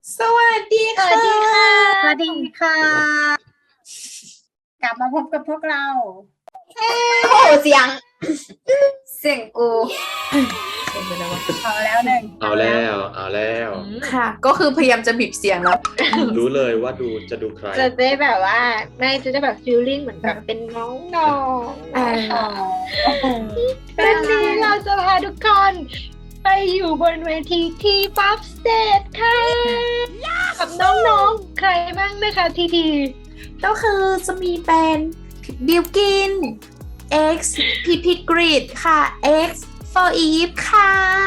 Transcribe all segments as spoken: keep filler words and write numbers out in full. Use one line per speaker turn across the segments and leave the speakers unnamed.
สวัสดี
สวั
ค่ะ
สดีค่ะ
สวัสดีค่ะ กลับมาพบกับพวกเรา
โอ้โหเสียง เสียงกู
เอาแล้วหนึ่ง
เอาแล้วเอาแล้ว
ค่ะ ก็คือพยายามจะบีบเสียงแล้ว
รู้เลยว่าดูจะดูใคร
จะได้แบบว่าแม่จะได้แบบฟีลลิ่งเหมือนแบบเป็นน้องน้อง
อ่า
วันนี้เราจะพาทุกคนไปอยู่บนเวทีทีป๊อปสเตจค่ะกับน้องๆ ใครบ้างนะคะทีที
ก็คือจะมีเป็นบิลกิน X พีพีกริดค่ะ X for Eve ค่ะ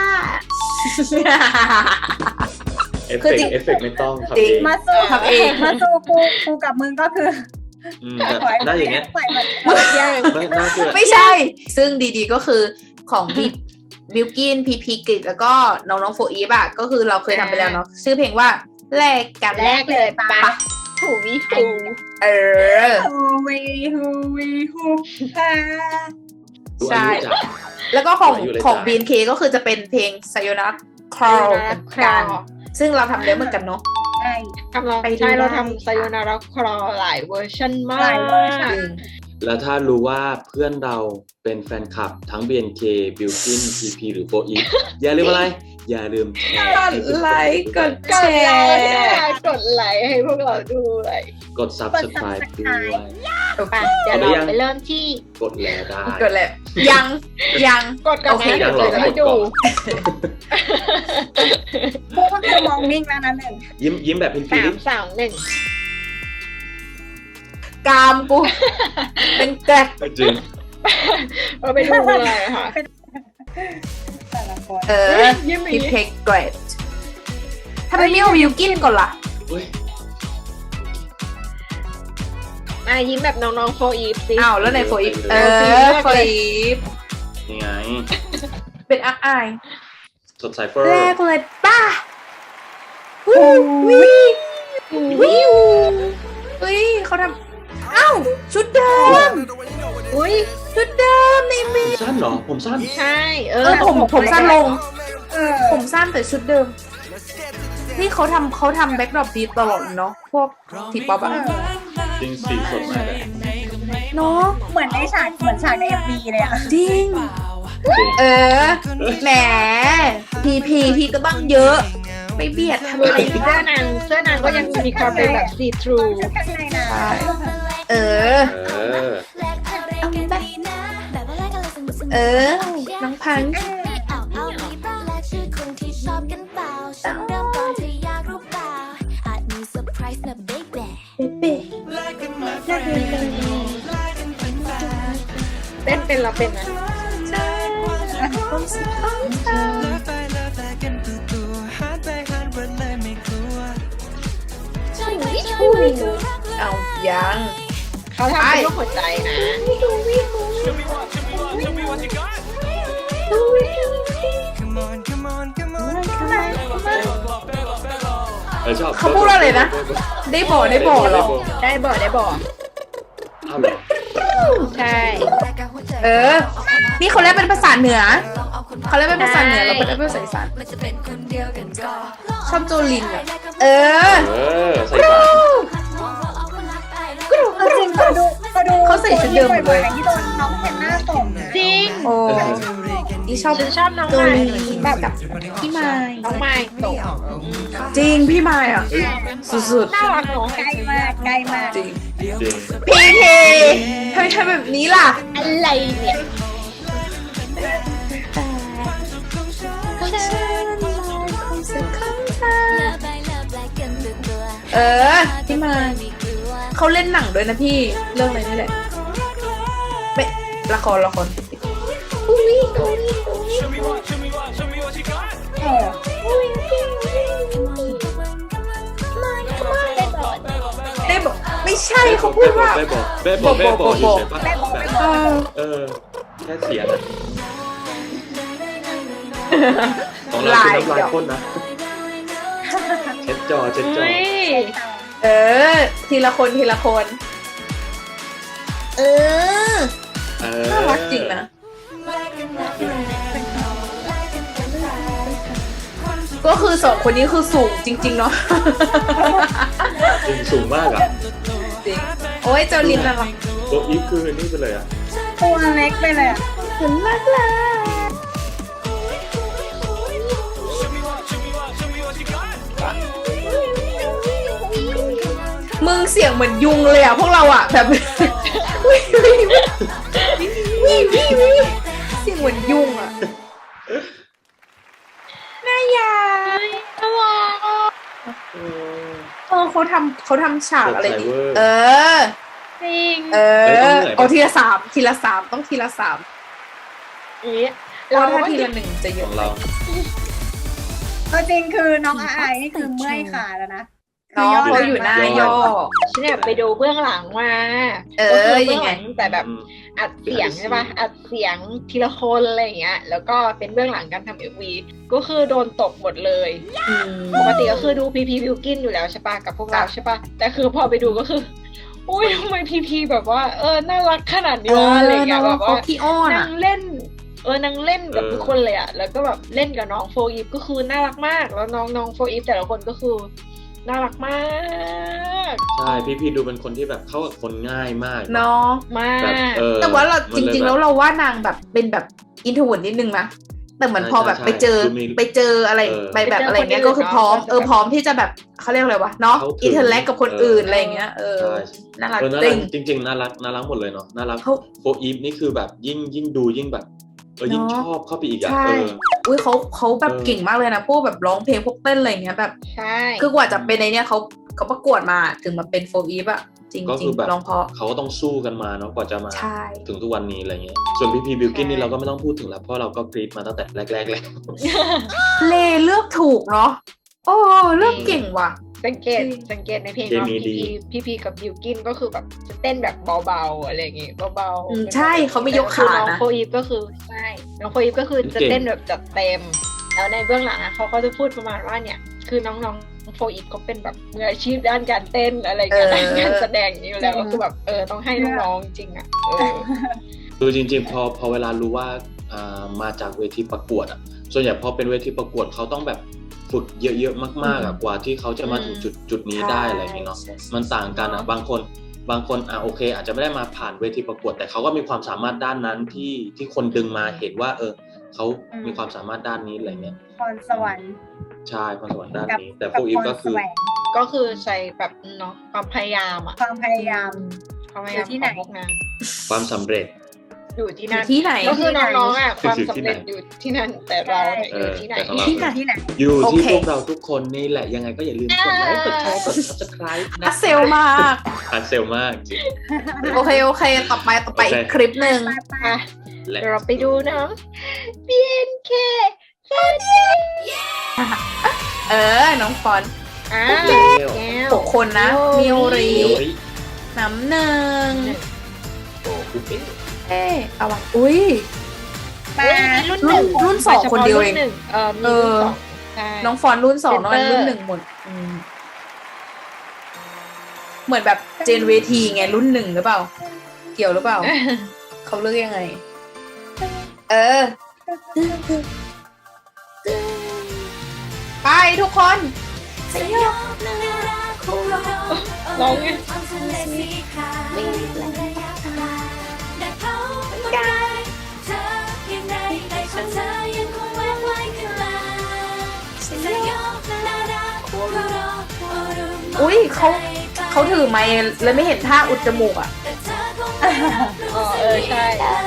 เอฟ
คือ
เฟก
จริง
ต์เอฟเฟกต์ไม่ต้องทำ
จริ
เอง ง
มาสู้
ทำเอง
มาสู้กูกูกับมึงก็คือ
อืมแบบหน้าอย่างเงี้ย
ปล่อยมัน
ไม่น่าเกลียด
ไม่ใช่ ซึ่งดีๆก็คือของบิบิลกินพีพีกริดแล้วก็น้องๆโฟอีฟอะก็คือเราเคยทำไปแล้วเนาะชื่อเพลงว่าแลกกัน
แรกเลยปะถูวิถู
เออ
ฮูวีฮูวีฮูฮา
ดู
ใช่
อายุจัด
แล้วก็ของ
อยู่เลย
ของ
จ้ะ
บี เอ็น เค ก็คือจะเป็นเพลง Sayonara Crawl เหมือนกัน ซึ่งเราทำเยอะเหมือนกันเนาะ
ใช่
กำลัง
ไปดู
ใช่เรา
ได้
ทำไซโยนาราครอหลายเวอร์ชันมา
หลายเวอร์ชั
ก
น
แล้วถ้ารู้ว่าเพื่อนเราเป็นแฟนคลับทั้ง บี เอ็น เค Bilkin พี พี หรือ โฟอีฟ อย่าลืมอะไร อย่าลืมแชร์
กดไลค์กด
ก
แช
ดไล
ร์
ค์ค่ะกดไลค์ให้พวกเราดูเลย
กด Subscribe ด้วย
ไปเดี๋ยวเราไปเริ่มที่
กดแลได้
กดเลยยังยัง
กดก่อน
โอเค
นะ
ยั
เดี๋ย
ง
ว
หรอ
จะให้ดู
กูก็คือมองนิ่งแล้วนะหนึ่ง
ยิ้มยิ้มแบบเป็นฟี
สา
ลิ่
ม
ง
สองหนึ่ง
กามกู เป็นแกรก
จริง
เราไปดูเลยค่ะ
แต่ละคน
เออ
ยิ้มหมี
พี่เพกเกรดทำไมไม่เอาวิวกินก่อนล่ะ
เฮ้ย
อ่ะยิ้มแบบน้องๆโฟอีฟสิ
อ้าวแล้วในโฟอีฟเออโฟอีฟ
นี่ไง
เป็นอักอาย
สดใสเฟอร์
แรกเลยป้าวิววิววิวเฮ้ยเขาทำอ้าวชุดเดิม
อุ้ย
ชุดเดิมในเม
ผมสั้นเหรอ ผมสั้น
ใช่เอ
เอ
อ
อผมผมสั้นลง
เออ
ผมสั้นแต่ชุดเดิม นี่เขาทำเขาทำแบ็กดรอปดีตลอดเนาะพวกทีป๊อปอะ
จริงสีสดมากเลย
เนาะ
เหมือนในฉากเหมือนฉากในเอ็มวีเลยอะ
จริง
จริง
เออ แหม พีพีพี่ก็ต้องเยอะ ไม่เบียดทำ
ดู
ไม
ดิเสื้อนางเสื้อนางก็ยังมีความเป็นแบบซีทรู
ชุดข้างในนะ
เออ
เออ
เอาไปเออ น้องพัง เป๊ะ
เต้นเป็นเราเป็นนะ
เอายัง
เขาทำเป็นรูปหัวใจนะ
เออชอบ
เขาพูดอะไรนะ ได้บอกได้บอกเหรอ
ได้บอกได้บอก
เอาเหรอ
ใช่
เออ นี่เขาเรียกเป็นภาษาเหนือ เขาเรียกเป็นภาษาเหนือเราเป็นภาษาอีสานชอบโจลินอะเออ
เออ ใส่ปาก
เอาจริงเขาดูเขาดู
เขาใส่ชุดเดิมหมดเลย
ที่โดนน้องเห็นหน้าส่งนะ
จริง
โอ้นี่ชอบ
ฉันชอบน้อง
โจ
ไม้
ลินแบบกับพี่ไม้
น้องไม้ตก
จริงพี่ไม้อ่ะ สุด
น่ารักเนาะ
ใกล้มากใกล้มาก
ๆ จริง
จริง
พีเคทำไมทำแบบนี้ล่ะ
อะไรเนี่ย
เออ พี่ไม้เขาเล่นหนังด้วยนะพี่ เรื่องอะไรนี่แหละไม่ละครละคร
เออ
ได้บอกไม่ใช่เขาพูดว่า
แม่บอกแม่บอกแม่บอกอยู่ใช่ปะ
แม่บอก
แบบ
แม่บอก
เออ
เออ แค่เสียงอะของเราคือน้ำลายพ่นนะ เช็ดจอเช็ดจอ
เฮ้ย
เออ ทีละคนทีละคน เออ
เออ
น่ารักจริงนะก็คือสองคนนี้คือสูงจริง ๆ เนาะ
จริงสูงมากอ่ะ
จริงโอ้ยเจ้าลินน่ารัก
โฟอีฟคือนี่ไปเลยอ่ะ
ตัวเล็กไปเลยอ่ะ
เหมือนมากเลยมึงเสียงเหมือนยุงเลยอ่ะพวกเราอ่ะแบบวิววิววิววิวเสียงเหมือนยุงอ่ะน่ายา
น่ารักอ่ะ
เออเขาทำเขาทำฉากอะไรดี
เวอร์
เออ
จริง
เออเอาทีละสามทีละสามต้องทีละสาม
เอ๊ะ
เรา
เรา
ถ้า
ก็
ทีละหนึ่งจะเย
ข
อะ
องเรา
เอาจริงคือน้องอาไอนี่คือเมื่อยขาแล้วนะ
เนาะเขาอยู่หน้าย่อ
ฉันเนี่ยไปดูเบื้องหลังมา
เออ
ก็คืบื้
ยังไง
หลัแต่แบบ
อืม
อัดเสียงใช่ปะอัดเสียงทีละคนอะไรอย่างเงี้ย แล้วก็เป็นเบื้องหลังการทำเอ็มวีก็คือโดนตกหมดเลย
อืม
ปกติก็คือดูพีพีบิวกินอยู่แล้วใช่ปะกับพวกเราใช่ปะแต่คือพอไปดูก็คืออุ้ยทำไมพีพีแบบว่า เออน่ารักขนาดนี้วะอะไรอย่างเงี้ยแบบว่า
เขาขี้อ้อน
นา
อ่ะ
งเล่น เออนางเล่นกับ
เออ
ทุกคนเลยอะแล้วก็แบบเล่นกับน้องโฟอีฟก็คือน่ารักมาก แล้วน้องน้องโฟอีฟแต่ละคนก็คือน่ารักมาก
ใช่พี่พี่ดูเป็นคนที่แบบเข้ากับคนง่ายมาก
เนาะ
มาก
แบบเออ
แต่ว่าเรา
มัน
จ
ลย
ริง ๆ
บบ
แล้วเราว่านางแบบเป็นแบบอินโทรเวิร์ดนิดนึงนะแต่เหมือน
ใช่
พอแบบ
ใช่
ไปเจอ
ดูมี
ไปเจออะไร
เออ
ไปแบบ
ไปเจอ
อะไรเงี้ย
คนอื่น
ก็คือพร้อม
เนอะ
เออพร้อมที่จะแบบเขาเรียกอะไรวะเนาะ
เข้าถึง
อินเทอร์แลกกับคน
เอออื่
อื่นอะไรเงี้ยเออ
ใช่
น่ารัก
เออน่า
จ
รั
ริ
ก
ง
จริง ๆน่ารักน่ารักหมดเลยเนาะน่ารัก
เขา
โฟอีฟนี่คือแบบยิ่งยิ่งดูยิ่งแบบเออยิ่ง
เนอะ
ชอบเข้าไปอีกอ่ะ
ใช่
เออ
อุ้ยเขาเขาแบบ
เออ
เก่งมากเลยนะพวกแบบร้องเพลงพวกเต้นอะไรเงี้ยแบบ
ใช่
คือกว่าจะเป็นในเนี้ยเขาเขาประกวดมาถึงมาเป็นโฟอีฟอะจริง
ก็
จริ
คื
ง
อแบบ
ร้องเพราะ
เขาก็ต้องสู้กันมาเนาะกว่าจะมา
ใช่
ถึงทุกวันนี้อะไรเงี้ยส่วนพี่พีบิวกินนี่เราก็ไม่ต้องพูดถึงแล้วเพราะเราก็กรีดมาตั้งแต่แรกๆแล้ว
เลเลือกถูกเนาะโอ้เลือกเก่งว่ะ
สังเกต
จริง
สังเกตในเพลง
เค
น้อง
มี
พี
ดี
พีพีพีกับบิวกินก็คือแบบจะเต้นแบบเบาๆอะไรอย่างงี้เบา
อืม
ๆ
ใช่เขาไม่ยกขา
แต่น้อง
นะ
โฟอีฟก็คือใช่น้องโฟอีฟก็คือจะเต้นแบบจัดเต็ม แล้วในเบื้องหลังอะเขาก็จะพูดประมาณว่าเนี่ย คือน้องๆโฟอีฟเขาเป็นแบบมืออาชีพด้านการเต้นอะไรอย่างเงี้ย
เออ
ด้านการแสดงอย่างนี้อยู่แล้วก็คือแบบเออต้องให้น้องๆจริงๆอะเออ
คือจริงๆพอพอเวลารู้ว่าอ่ามาจากเวทีประกวดอ่ะส่วนใหญ่พอเป็นเวทีประกวดเขาต้องแบบฝึกเยอะๆมากๆอ่ะกว่าที่เขาจะมาถึงจุดจุดนี้ได้อะไรอย่างเงี้ยเนาะ
ใช่
มันต่างกันอ่ะบางคนบางคนอ่ะโอเค อาจจะไม่ได้มาผ่านเวทีประกวด แต่เขาก็มีความสามารถด้านนั้นที่ที่คนดึงมาเห็นว่า เออเขามีความสามารถด้านนี้อะไรเงี้ย
พรสวรรค์
ใช่ความสามารถด้าน
กับ
นี้ แต่
กั
พวกอีฟ
พร
ก็คือ
แสวง
ก็คือใช้แบบเนาะความพยายามอะ
ความพยายาม
ความพยายาม
อยู่ที่
ข
ไหน
องพวกนาง
ความสำเร็จ
อยู่ที่
อ
นั่
ยู่
น
ที่ไหน
ก็คือน้องๆอะค
อยู่
วาม
ที่
สำ
ไหน
เร็จอยู่ที่นั่นแต่เราเนี่ย
เอ
อยู่
อ
ที่ไหน
แต่ของเรา
ที่ไหน
ที่ไหน
อยู่ที่
โอเค
พวกเราทุกคนนี่แหละยังไงก็อย่าลืมกดไลค์กดแชร์กด subscribe นะ
อัดเซลมาก
อัดเซลมากจริง
โอเค โอเค ต่อไปต่อไป
โอเค
อีกคลิปหนึ่ง
ไปไป
อ่ะ
และ
เดี๋ยวเราไปดูน้อง บี เอ็น เค
เออ น้องฟอนต์
อ่า
แก้ว
แก้ว
หกคนนะ
มิ
มิ
โอ
โอ
ริ
ริ
เดี๋ยวไอ้
น้ำหนึ่ง
โอ้กูเป็น
เอ๊ะเอาวะอุ้ย
มา
รุ่นหนึ่ง
รุ่นสองคนเดียวเอง
ฉพาะรุ่นหนึ่งเออมี
เอ
รุ่น
อ
สองใช่
น้องฟอนต์รุ่นสองน้องอัน
เซนเตอร์
รุ่นหนึ่งหมดอืมเหมือนแบบเจนเวทีไงรุ่นหนึ่งหรือเปล่า เกี่ยวหรือเปล่า เขาเลือกยังไง เออ ไปทุกคน
ร้องไง
อุ้ยเขาเขาถือไมค์แล้วไม่เห็นท่าอุดจมูกอ่ะ
อ๋อเออใช่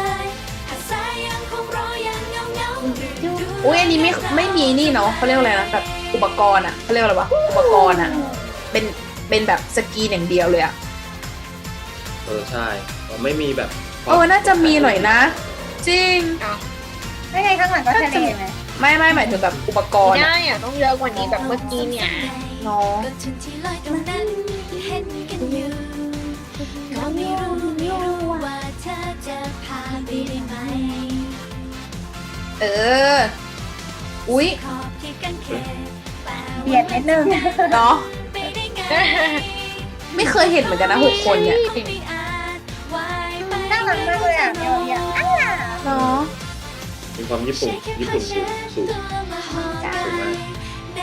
อุ้ยอันนี้ไม่ไม่มีนี่เนาะเขาเรียกอะไรนะแบบอุปกรณ์อ่ะเขาเรียกอะไรวะอุปกรณ์อ่ะ เป็นเป็นแบบสกรีนอย่างเดียวเลยอ่ะ
เออใช่ไม่มีแบบ
เออน่าจะมีหน่อยนะ จริง
ไม่ไงข้างหลังก็ทะเลไหม
ไม่ไม่หมายถึงแบบอุปกรณ์
ได้
อะ
อ่ะต้องเยอะกว่านี้แบบเมื่อกี้เนี่ย
เนาะ
ก็ถึงที่ลอยตรงนั้นเห็นกันอยู่ก็ไม่รู้ไม่รู้ว่าเธอจะพาไปได้ไหม
เออ อุ้ย
ขอบที่กันแค่แต่
เบียดนิดนึง
เนาะ
ไปได้ไง
ไม่เคยเห็นเหมือนกันนะหกคนเนี่ย
ไม่อาจว่ายไป
น่ารักมากเลยอ่ะเมียวเนี่ยอ้า
เนาะ
มีความญี่ปุ่นญี่ปุ่นสูงสูง
ตัวมาหอม
สูงมาก
ใ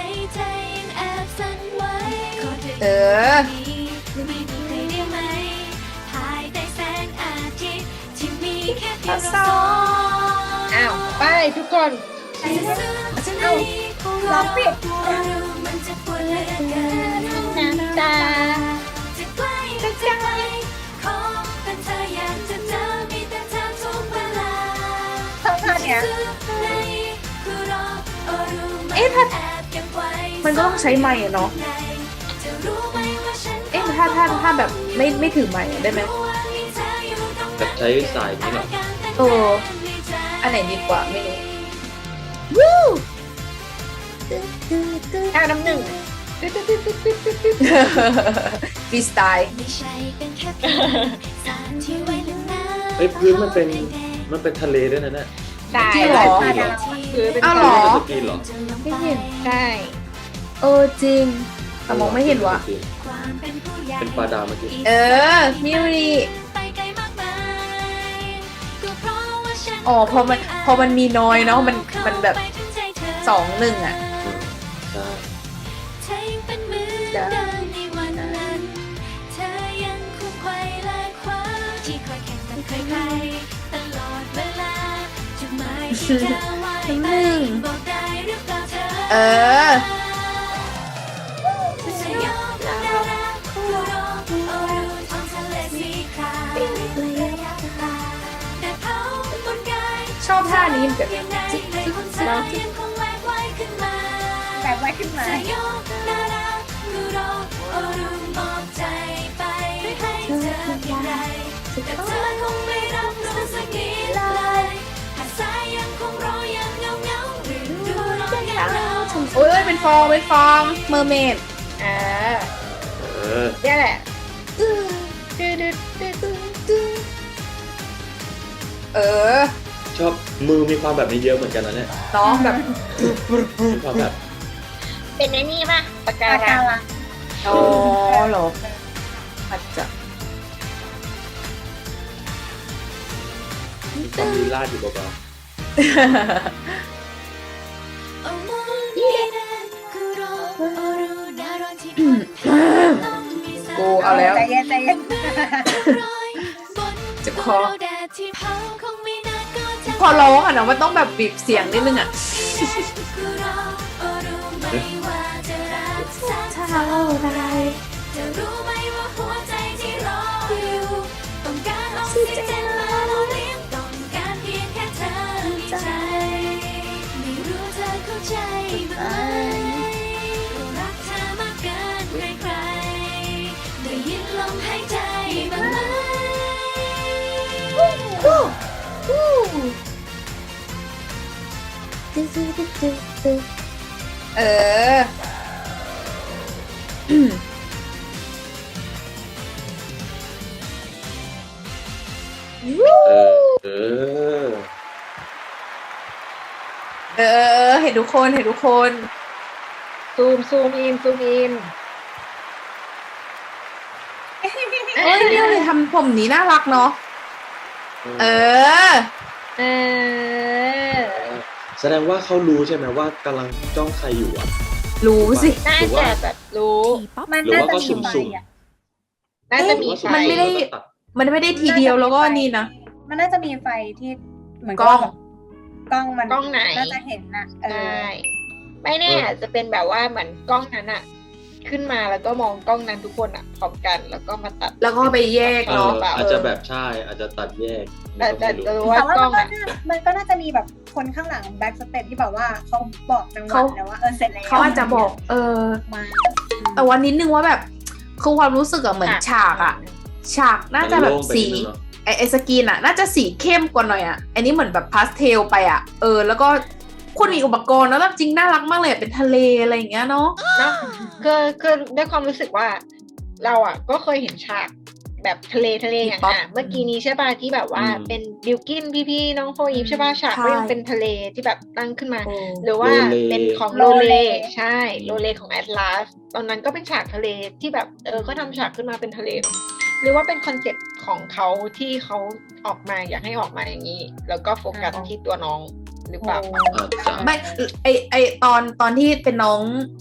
เออ
ไม่มีใครได้ไหมภายใต้แสงอาทิตย์ที่มีแค่เพียง
ส
เรา
อ
สอง
อ้าวไปทุกคน
เอ้า
ร้องผิด
มันจะปวดเหลือเกิน
น้ำตา
จะใกล้จะไกลขอเป็นเธออยากจะเจอมีแต่เธอทุกเวลา
ชอบท่าเนี้ย
เอ๊ะถ้า
แอบเก็บไว้
มันก็ต้องใช้ไมค์อะเนาะ
จะรู้ไหมว่าฉัน
เอ๊ะถ้าถ้าถ้าแบบไม่ไม่ถือไมค์ได้ไหม
แบบใช้สายนี้เหรอ
เออ อันไหนดีกว่าไม่รู้
ท่าน้ำหนึ่ง
ฟรีสไตล์
ไม่ใช่เป็นแค่เพียงสารที่ไว้นาน
เฮ้ยพื้นมันเป็นมันเป็นทะเลด้วยนะเนี่ย
ได้
จริงเหรอ
ท่าดาว
คือเป็น
อ้าวเหรอ
สกีนเหรอ
ไม่เห็น
ใช่
เออจริงแต่มองไม่เห็นว่ะ
ความเป็นผู้ใหญ่
เป็นปลาดาวเมื่อกี้
เออมิริ
ไปไกลมากมายก็เพราะว่าฉัน
อ๋อพอมันพอมันมีน้อยเนาะมันมันแบบสองหนึ่งอ่ะ
อืมใช่
เธอยังเป็นเหมือนเดิมในวันนั้น เธอยังคงไขว่และคว้าที่คอยแข่งกับใครๆตลอดเวลาจุดหมายที่เธอไว้ไปบอกได้หรือเปล่าเธอ
เออ
จะยอมน่ารักคู่รอโอ้ดูท้องทะเลสีขาวระยะตาแต่เผาบนกาย
ชอบท่านี้แบบ
ยังไงให้คนเธอยังคงแหวกไว้ขึ้นมา
แบบไว้ขึ้นมา
จะยอมน่ารักคู่รอโอ้ดูมอบใจไปให้เธออย่างไรแต่เธอคงไม่รับรู้สักนิดเลยหากสายยังคงรอยังเงาเงาหรือดูรออย่างเรา
โอ้ยเป็นฟองเป็นฟองเมอร์เมด
อ่า
เออ
เนี่ยแหละดื้อดื้อดื้อดื้อดื้อ
เออ
ชอบมือมีความแบบนี้เยอะเหมือนกันนะเนี่ย
น้องแบบ
มีความแบบ
เป็นไอ้นี่ป่ะปากกา
ปาก
ลั
กาง ลัง
อ๋อเหรออาจจะ
มีความลีลาดอยู่เบา
โอ้มองดีนั้นคือรอโอ้รู้น่ารอนที่พบเธอต้องมีสัก
กูเอาแล้ว
ใจเย็นใจเย็น
รอยบน
เจ็บคอ
แดดที่เผาคงไม่นานก็จะ
พอร้องอ่ะเนาะมันต้องแบบบีบเสียงนิดนึงอ่ะ
คือรอโอ้รู้ไหมว่าจะรักสัก
เท่า
เท่า
ไร
จะรู้ไหมว่าหัวใจที่รออยู่ต้องการออกซิเจนมาหล่อเลี้ยงต้องการเพียงแค่เธอมีใจไม่รู้เธอเข้าใจไหมรักเธอมากเกินใครๆได้ยินลมหายใจบ้างไหม
เออ
ๆเออ เออ
เออ เห็นทุกคน เห็นทุกคน
ซูมซูมอินซูมอิน
เอ้ยเนี่ยเลยทำผมนี้น่ารักเนาะ เออ
เออ
แสดงว่าเขารู้ใช่ไหมว่ากำลังจ้องใครอยู่อ่ะ
รู้สิ
น่าจะแบบรู้
มัน
หรือ
น่า
ว่า
จะ
ก็
มี
สุ่
ไฟ
มๆ
อ่ะ
น่าจะมี
หรือว่า
ไฟ
สุ่
มันไม่ได้
แล้วก็ตัด
มันไม่ได้ทีเดียวแล้วก็นี่นะ
มันน่าจะมีไฟที่เหมือน
กล้อง
กล้องมัน
กล้องไหน
น่าจะเห็นน่ะเอ
ใช่
อ
ไม่แน่อาจจะเป็นแบบว่าเหมือนกล้องนั้นอะขึ้นมาแล้วก็มองกล้องนั้นทุกคนอะพร้อมกันแล้วก็มาตัด
แล้วก็ไปแยก
เอ
เนาะ
ออาจจะแบบใช่ อาจจะตัดแยก
แต่แต่
ไม่
จะ
รู้
รู้ว่า
แต่ว่าก
ล้อง
มัน
อะ
ก็น่ามันก็น่าจะมีแบบคนข้างหลังแบ็กสเตจที่แบบว่าเขาบอกจังหวะ
เขา
แล้วว่าเออเสร็จแล้ว
เขาอาจจะบอก เออ
มา
แต่วันนิดนึงว่าแบบ คือความรู้สึกอะเหมือนฉากอะฉากน่าจะแบบ
มันโล่งไป
สี
นิดนึงเนอะ
ไอไอสกรีนอะน่าจะสีเข้มกว่าหน่อยอะอันนี้เหมือนแบบพาสเทลไปอะเออ แล้วก็คุณมีอุปกรณ์แล้วแบบจริงน่ารักมากเลยอะเป็นทะเลอะไรอย่างเงี้ยเนาะ
เนาะคือคือด้วยความรู้สึกว่า เราอะก็เคยเห็นฉากแบบทะเลทะเลอย่าง
ป๊อป
อ่ะเมื่อกี้นี้ใช่ป่ะที่แบบว่า
อืม
เป็นบิวกินพี่ๆน้องโฟอีฟใช่ป่ะฉากก็ยังเป็นทะเลที่แบบตั้งขึ้นมา
โอ้
หรือว่า
โลเล
เป็นของ
โล
โล
เล
เลใช่โลเลของแอตลาสตอนนั้นก็เป็นฉากทะเลที่แบบเออก็ทำฉากขึ้นมาเป็นทะเลเนอะหรือว่าเป็นคอนเซ็ปต์ของเขาที่เขาออกมาอยากให้ออกมาอย่างนี้ แล้วก็โฟกัสที่ตัวน้องหรือเปล่า
อาจจะ
ไม่ไอไอตอนตอนที่เป็นน้อง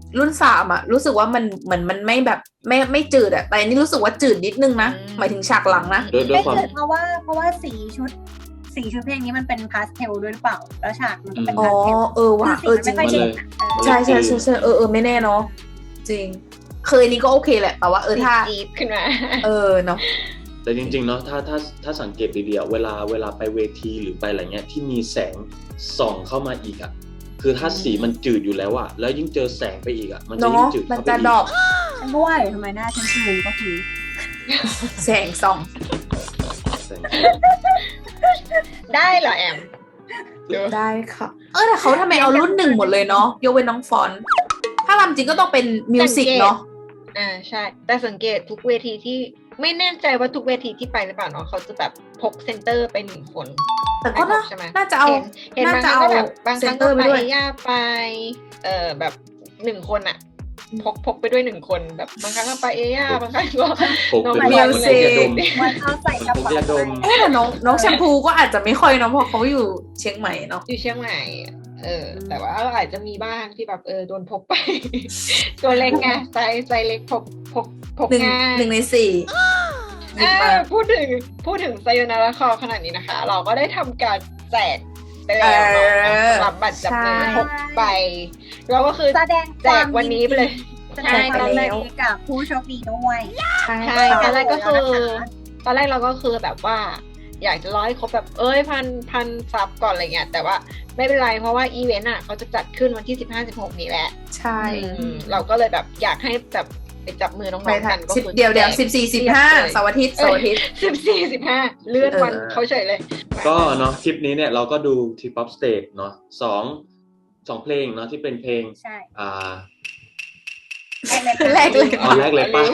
รุ่นสามอะรู้สึกว่ามันเหมือนมันไม่แบบไม่ไม่จืดอะแต่อันนี้รู้สึกว่าจืดนิดนึงนะหมายถึงฉากหลังนะ
ด้วยด้วย
ไม่
ความ
เกิดเพราะว่าเพราะว่าสีชุดสีชุดเพลงนี้มันเป็นพาสเทลด้วยหรือเปล่าแล้วฉากมันก็เป็น
อ๋อ
พาสเทล
เออว่ะเออจริง
ไม่
มัน
ค่อย
เล
เด่
ย
นอะเออ
ใช่ใช่ใช่ใช่เออเออไม่แน่เนาะจริงเคยนี้ก็โอเคแหละแต่ว่าเออถ้า
จี๊ดขึ้นมา
เออเนาะ
แต่จริงๆเนาะถ้าถ้าถ้าสังเกตดีๆอะเวลาเวลาไปเวทีหรือไปอะไรเงี้ยที่มีแสงส่องเข้ามาอีกอะคือถ้าสีมันจืดอยู่แล้วอะแล้วยิ่งเจอแสงไปอีกอะมันจะยิ่ง
เนาะ
จืด
มัน
เข้าไป
จะ
อีก
ดรอป
ฉันก็ว่าอยู่ทำไมหน้าฉันชูก็คือ
แสงส่อง
แสง
ได้เหรอแอมเดี๋ยว
ได้ค่ะเออแต่เขาทำไมเอารุ่นหนึ่งหมดเลยเนาะยกเว้นน้องฟอนต์ถ้าลำจริงก็ต้องเป็นมิวสิกเนาะ
อ่าใช่ แต่สังเกตทุกเวทีที่ไม่แน่ใจว่าทุกเวทีที่ไปหรือเปล่าเนาะเขาจะแบบพกเซนเตอร์ไปหนึ่งคน
แต่ก็น่า
ใช่ไหม
น่าจะเอา
เห็นเห็นบางครั้ง
น่าจะเอา
ก็แบบบางครั้งก็
เซนเตอร์ไป
ไป
ด้วย
ย่าไปเอ่อแบบหนึ่งคนอะพกพกไปด้วยหนึ่งคนแบบบางครั้งก็ไปเอย่าบางครั้งก็
พก
น้อง
เป็น
มิว
มัน
สิก
ยาดม
มันเอาใส่กระ
พก
เป๋าย
าดม
เอ๊ะแต่น้องน้องแชมพูก็อาจจะไม่ค่อยเนาะเพราะเขาอยู่เชียงใหม่เนาะ
อยู่เชียงใหม่เออ แต่ว่าอาจจะมีบ้างที่แบบเออโดนพกไป ตัวเล็กไงไซส์ไซส์เล็กพกพกพก
หนึ่ง
ง่าย
หนึ่งในสี่หยิบ
อ่า
มา
พูดถึงพูดถึงไซโยนาราคอขนาดนี้นะคะ เราก็ได้ทำการแจกไปแล้วเนาะ
เออ
สำหรับบัตรจับมือ
ใช่
หกใบเราก็คือ
แสดง
แจกวันนี้ไปเลย
แสดงความยินดีกับผู้โชคดีด้วย
ใช่
ใช่ตอนแรกก็คือ
แล้วนะคะ
ตอนแรกเราก็คือแบบว่า อยากจะร้อยครบแบบเอ้ยพันพันซับก่อนอะไรเงี้ยแต่ว่าไม่เป็นไรเพราะว่าอีเวนต์อ่ะเขาจะจัดขึ้นวันที่สิบห้าสิบหกนี้แหละ
ใช่
อืมเราก็เลยแบบอยากให้แบบไปจับมือน้อง
ไป
ๆ
ทั
กัน นก็
สิบ
คือ
เดี๋ยวเดี๋ยว
แจก
สิบสี่สิบห้าเสาร์อาทิตย์เสาร์อาทิตย์
สิบสี่สิบห้าเลื่อนวัน
เออ
เขาเฉยเลย
ก็เนาะคลิปนี้เนี่ยเราก็ดูทีป๊อปสเตจเนาะสองสองเพลงเนาะที่เป็นเพลง
ใช่
อ่า
แรกเลย
เอาแรกเลยป่ะ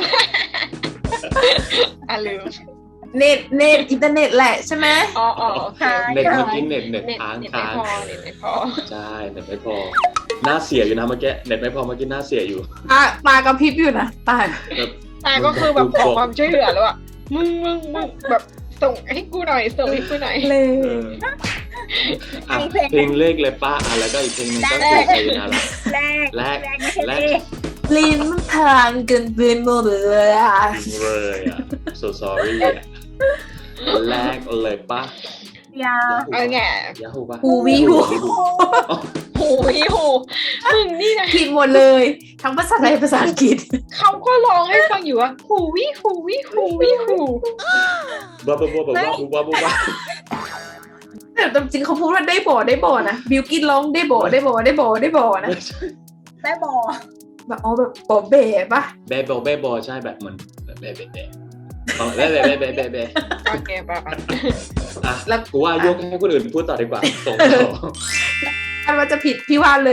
อ่ะลืม
เน็ตเน็ตอินเทอร์เน็ตแหละใช่ไหม
อ๋ออ๋อโอเค
เน็ตเมื่อกี้เน็ตเน็ต
เน็ต
ค้าง
เน็ตไม่
ค้าง
พอเน็ตไม่พอ
ใช่เน็ตไม่พอหน้าเสียอยู่นะเมื่อกี้เน็ตไม่พอเมื่อกี้หน้าเสียอยู่
ตาตากระพริบอยู่นะตา
แบบ
ตาก็คือแบบขอความช่วยเหลือแล้วอ่ะมึงมึงมึงแบบส่งให้กูหน่อยส่งให้กูหน่อย
เลย
เอออ่ะเพลงเลขเลยป้าอ่ะแล้วก็อีกเพลงหนึงก็คือไซยานาระ
แรก
แรก
แรกไม่ใช่
แรก
เลข
ลิ้นมันพลังเกินไปหมดเลยอะ
จริงเลยอ่ะ so sorry อ่ะแรกเลยป้า
ยา
เอาไง
ยาฮูป่ะ
หูวิหู
หูยหูมึงนี่นะ
ผิดหมดเลย ทั้งภาษาไทยภาษาอังกฤษ
เขาก็ร้องให้ฟังอยู่ว่าหูวิหูวิหูวิหู
บ้าบ้าบ้าบ้าบ้าบ้าบ้า
แต่จริงเขาพูดว่าได้บ่อได้บ่อนะบิวกินร้องได้บ่อได้บ่อได้บ่อได้บ่อนะ
แม่บอ
แบบอ๋อแบบบ่อเบ๋ปะ
เบบอเบบอใช่แบบเหมือนแบบเบเบเบเบเบเบเบเบเบ
โอเคป่ะ
อ่ะแล้วกูว่ายกให้คนอื่นพูดต่อดีกว่าส่งต่อ
ถ้าว่าจะผิดพี่วานเลย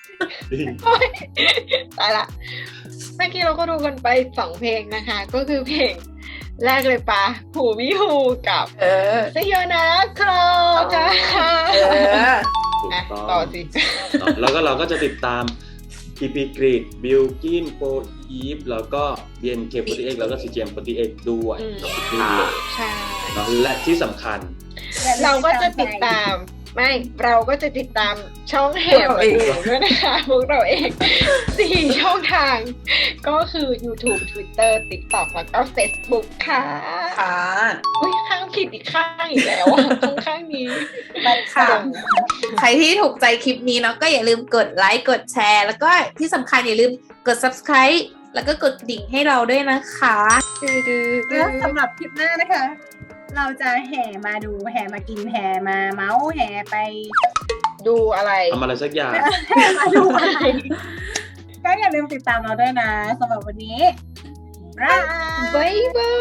ตายละเมื่อกี้เราก็ดูกันไปสองเพลงนะคะ ก็คือเพลงแรกเลยปะหูวิหูกับ
เออ
เซโยนาครอค่ะ
เออ
ถูก
อ่ะ
ต้อง
ต่อสิ
แล้วก็เราก็จะติดตาม พี พี กรีดบิลกินโฟอีฟแล้วก็ บี เอ็น เค สี่สิบเอ็ด แล้วก็ ซี จี เอ็ม สี่สิบเอ็ด ด้วยกับทุกรุ่นเลย
ใช่
เนาะและที่สำคัญ
เราก็จะติดตามไม่เราก็จะติดตามช่องแห่มาดูด้วยนะคะพวกเราเองสี่ช่องทาง ก็คือ YouTube Twitter TikTok แล้วก็ Facebook ค่ะ
ค่ะ
อุ้ยข้างผิดอีกข้างอีกแล้วอ่ะข้างข้างนี้
ค่ะ ใครที่ถูกใจคลิปนี้เนาะก็อย่าลืมกดไลค์กดแชร์ แล้วก็ที่สำคัญอย่าลืมกด subscribe แล้วก็กดกระดิ่งให้เราด้วยนะคะ
แล้วสำหรับคลิปหน้านะคะ เราจะแห่มาดูแห่มากินแห่มาเมาส์แห่ไป
ดูอะไร
ทำอะไรสักอย่าง
แห่มาดูอะไรก็อย่าลืมติดตามเราด้วยนะสำหรับวันนี้บ๊ายบาย
บ๊ายบาย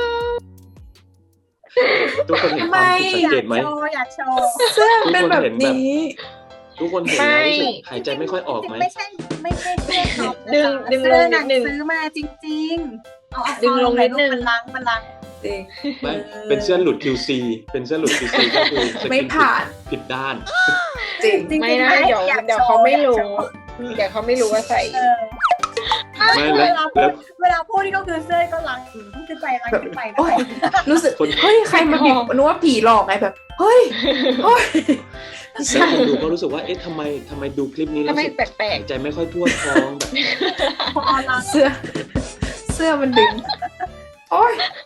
ทุกคนเห็นความผิดสัง
อยา
เก
ก
ตไหม
โชว์อยากโชว์
เสื้อเป็นแบบนี้
ทุกคนเห็นแล้วรู้สึกหายใจไม่ค่อยออกไหม
ไม่ใช่ไม่ใช่เสื้อท็อป
ดึงดึงล
เสื้อง ห
นิ
นั
ด
ง
นึง
ซื้อมาจริงๆเอาเอา
ดึงลงนิดนึง
มันลังมันลัง
จริง
ไม่เป็นเสื้อหลุด คิว ซี เป็นเสื้อหลุด คิว ซี ก็คือสกิน
ไม่ผ่าน
ผิดด้าน
จริง
จริงๆ
ไม่นะ
ไม่
เดี๋ยว
อยาก
เดี๋ยว
โชว์
เขาไม่
อยาก
รู้
โชว์
เดี๋ยวเขาไม่รู้ว่าใส่
เออ
ไม่
เว
แล้ว
ลาพู
แล้
ด
ว
เวลาพูดนี่ก็คือเสื้อก็ลังขึ้นไปลังขึ้นไป
โอ๊ย รู้สึก
คน
เฮ้ยใครมาบีบนึกว่าผีหลอกไงแบบ เฮ้ยเฮ้ย
แล้วคนดูก็รู้สึกว่าเอ๊ะทำไมทำไมดูคลิปนี้แล้
ทำ
ว
ไม
รู้สึก
แปลก
หายใจไม่ค่อยทั่วท้องแบบ
พอเรา
เสื้อ เสื้อมันดึง โอ้ย
ๆ